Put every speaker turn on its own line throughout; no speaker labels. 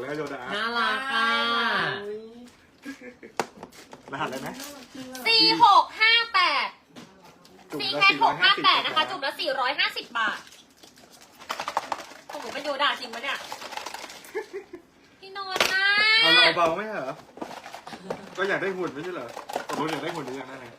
แล้วโยดา
น่ารักอ่ะ
รหัสอะไรนะ
4658 ซีแคท658นะคะจุ่มละ450 บาทของหนูเป็นโยดาจริงปะเนี่ยพี่นนท์นะ
เอาเบาไหมเหรอก็อยากได้หุ่นไม่ใช่เหรอตกลงอยากได้หุ่นหรือยังนั่นไง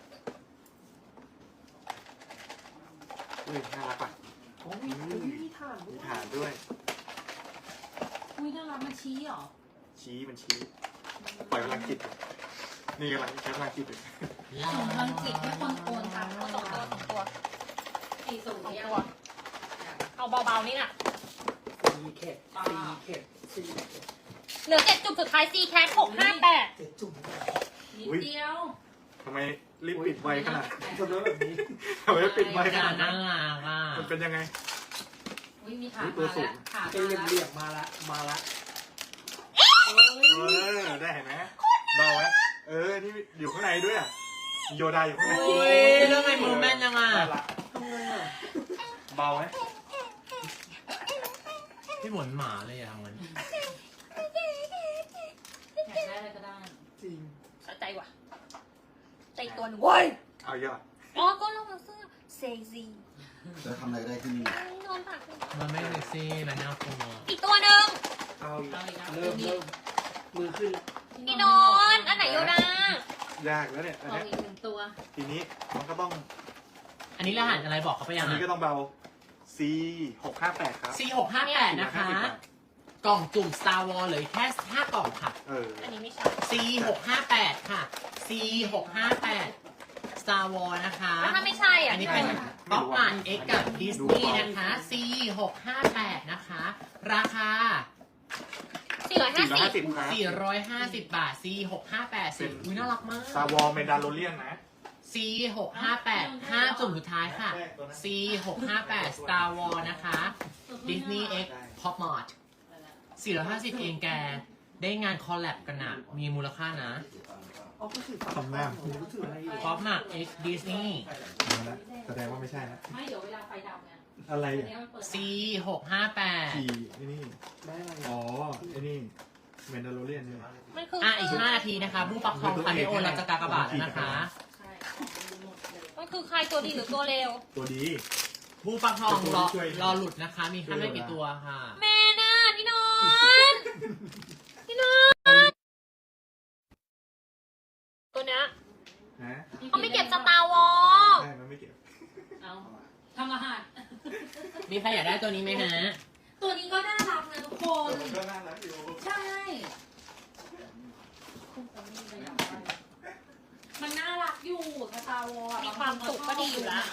อุ้ยน่ารักป่ะ
โอ้ยมีฐาน
มีฐานด้วย
อุ้ยน่ารักมันชี้เหรอ
ชี้มันชี้ปล่อยพลังจิตนี่กำลังใช้พลังจิตอยู่
ส่งพลังจิตให้คนโอนค่ะ
เอาสองตัว
สี่ส่ง
สอง
ยั
ตั
ง
วเอาเบาๆนี่น่ะ
สี่เข็ดสี่เข็ดสี่เข็ด
เหลือ7จุ่มสุดท้ายซีแคท658
เจ็ดจุ่มนิดเดียว
ทำไมรีบปิดไวขนาด
ทำแล้วแบบนี้
ทำไมปิดไวขนาด
น่า
นั้น
รักอ่ะ
มันเป็นยังไง
อุ้ยมีฐาน
ตัว
มา
สู
แล้ว
ง
ฐาน
เป็นเหลี่ยมๆมาละมาละ
ได้เห็นไหมเบาไหมนี่อยู่ข้างในด้วยอ่ะมีโยดาอยู่ข้างใน
อุ้ยเรื่องไอ้มือแม่นยังอ่ะ
น่ารัก
ทำไงอ่ะ
เบาไหม
พี่หมุนหมาเลยอ่ะมัน
อยากได้อะไรก็ได้
จริง
สะใจว่ะใจตัวหนึ่งเว้ย
เอาเยอะ
อ๋อก็ลงมาเสื้อเซซี
จะทำอะไรก็ได้ที่นี่
นอนผัก
มันไม่เซ็กซี่และน่ากลัว
อีกตัวหนึ่ง
เอาอีก
เอาอีกนะ
เริ่มมือขึ้น
พี่นอนอันไหนโยดาย
ากแล้วเนี่ยอัน
เอา
เนี้ย
อีกหนึ่งตัว
ทีนี้มันก็ต้อง
อันนี้รหัสอะไรบอกเขาไปยั
อั
ง
น
อ่ะ
นี้ก็ต้องเบา C658 ครับ
C658 นะคะ กล่องจุ่ม Star Wars เหลือแค่5กล่องค่ะ
อันนี้ไม่ใช่
C658 ค่ะ C658 Star Wars นะคะ
แล้วถ้าไม่ใช่อ่ะ
อันนี้เป็นป๊อปมาร์ X กับดิสนีย์นะคะ C658 นะคะ ราคา
450
450ครับ
450 บาท C658 สิอุ้ยน่ารักมาก
ซาวอลเมนดาโลเลียนนะ
C658 5 จุ่มสุดท้ายค่ะ C658 Star Wars นะคะ Disney X Pop Mart 450 เองแก ได้งานคอลแลบกันนะมีมูลค่านะ
อ๋อก็ถือ
ทำหน้า
ผมก็ถืออะไรอยู่
Pop Mart X Disney
แสดงว่าไม่ใช่นะ
ไม่เดี๋ยวเวลาไฟดับไง
อะไร
อัน
อ่ะ
นี้มันเปิด
C658
ขี่นี่
ได้อะไร
อ๋อไอ้นี่เมนดาโลเลียนนี่
มันคือ
อ่ะอีก5นาทีนะคะบูปักทองคาเมโอเราจะกากบาทแล้วนะคะ
ใช่ของมันหมดเลย
มันคือใครตัวดีหรือตัวเลว
ตัวดี
บูปักทองรอหลุดนะคะ มีแค่ไม่กี่ตัวค่ะ
แม่น่ะพี่นอนพี่นอนตัวเนี้ย
นะ
เขาไม่เก็บสตาร์วอล
ใช่มันไม่เก็บ
เอาทำรหัส
มีใครอยากได้ตัวนี้ไหมฮะ
ตัวนี้ก็น่ารักนะทุกคน
มันก็น่ารักอยู่
ใช่ มันน่ารักอยู่สตาร์วอล
มีความสุขก็ดีอยู่ละ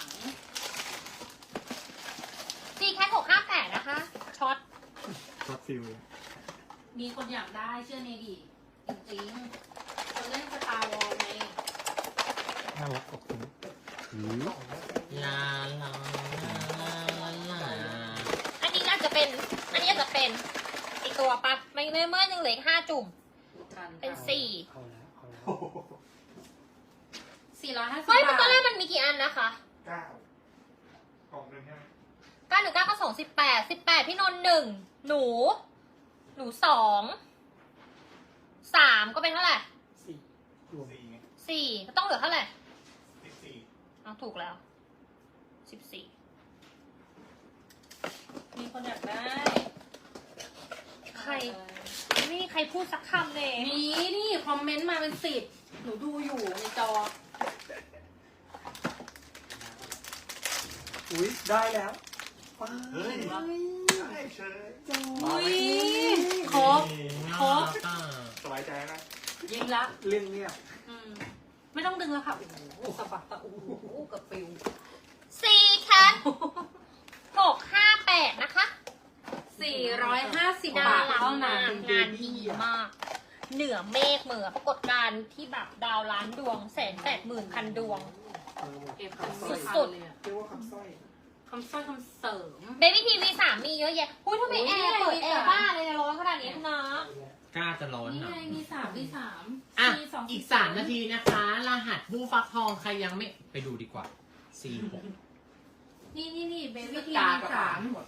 ซีแคท658นะคะช็อต
ช็อตฟิล
มีคนอยากได้เชื่อเนดีจริงๆคนเล่นสตาร์วอลไง
น่ารักขอบคุณ
ลาลาลา
อันนี้อาจจะเป็นอีกตัวปั๊บไม่เมื่อยังเหลืออีก5จุ่มเป็น4
เอาแล้วเอาแล้ว
450
เฮ้ย
บา
ตอนแรก
ท
มันมีกี่อันนะคะ
9กล่องหนึ่งใช่ไหม
919ก็2 18พี่นนท์1หนู2 3ก็เป็นเท่าไหร่
สี่รวม
4ไง
4ก็ต้องเหลือเท่าไหร่
14
เอาถูกแล้ว14
มีคนอยากได้
ใครไม่มีใครพูดสักคำเลย
มีนี่คอมเมนต์มาเป็น10หนูดูอยู่ในจอ
อุ้ยได้แล้วว้า
เฮ้ย
ย
ได้เชย
อุ้ยครบ ครบ
สบายใจนะ
ยิงละ
เรื่องเงียบ
ไม่ต้องดึงแล้วค่ะ โอ้โหสะบัดตะอูกับปิว
4แคท658นะคะ
450
น่า
บาท
รัก
เท่าม
าก
นั้น
งานดีมาก เหนือเมฆเหมือปรากฏการณ์ที่แบบดาวล้านดวง180,000 ดวง
เก็บเป็น
สุด
เลยอะ
เรียกว่าคำสร้อย
คำสร้อยคำเสริม
เบบี้ทีวี3มีเยอะแยะอุ้ยทำไมแอร์เปิดแอร์บ้าเลยนะร้อนขนาดนี้นะ
กล้าจะร้อน
นี่
หน่
ไง
อย
มี3มี3
อ่ะ
มี2
อีก3นาทีนะคะ รหัสผู้ฟักทองใครยังไม่ไปดูดีกว่า 4 6
นี่เบบี้ที
กา
วี
กับ
3
หมด